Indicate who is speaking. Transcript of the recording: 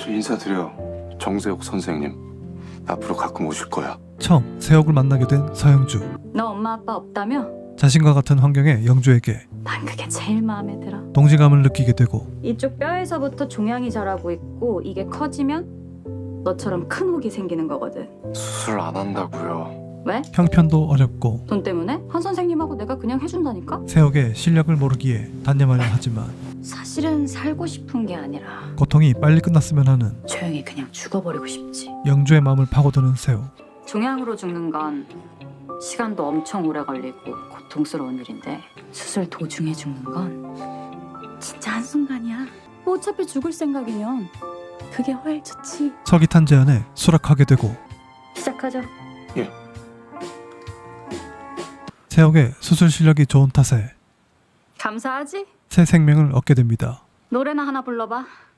Speaker 1: 저 인사드려. 정세욱 선생님. 앞으로 가끔 오실 거야.
Speaker 2: 처음 세옥을 만나게 된 서영주.
Speaker 3: 너 엄마 아빠 없다며?
Speaker 2: 자신과 같은 환경의 영주에게
Speaker 3: 난 그게 제일 마음에 들어.
Speaker 2: 동지감을 느끼게 되고
Speaker 3: 이쪽 뼈에서부터 종양이 자라고 있고 이게 커지면 너처럼 큰 혹이 생기는 거거든.
Speaker 1: 수술 안 한다고요.
Speaker 3: 왜?
Speaker 2: 형편도 어렵고
Speaker 3: 돈 때문에? 한 선생님하고 내가 그냥 해준다니까?
Speaker 2: 세옥의 실력을 모르기에 단념하려 하지만
Speaker 3: 사실은 살고 싶은 게 아니라
Speaker 2: 고통이 빨리 끝났으면 하는
Speaker 3: 조용히 그냥 죽어버리고 싶지.
Speaker 2: 영주의 마음을 파고드는 세옥.
Speaker 3: 종양으로 죽는 건 시간도 엄청 오래 걸리고 고통스러운 일인데 수술 도중에 죽는 건 진짜 한순간이야. 뭐 어차피 죽을 생각이면 그게 훨 좋지.
Speaker 2: 서기탄 제안에 수락하게 되고
Speaker 3: 시작하죠.
Speaker 2: 세옥의 수술 실력이 좋은 탓에
Speaker 3: 감사하지?
Speaker 2: 새 생명을 얻게 됩니다.
Speaker 3: 노래나 하나 불러봐.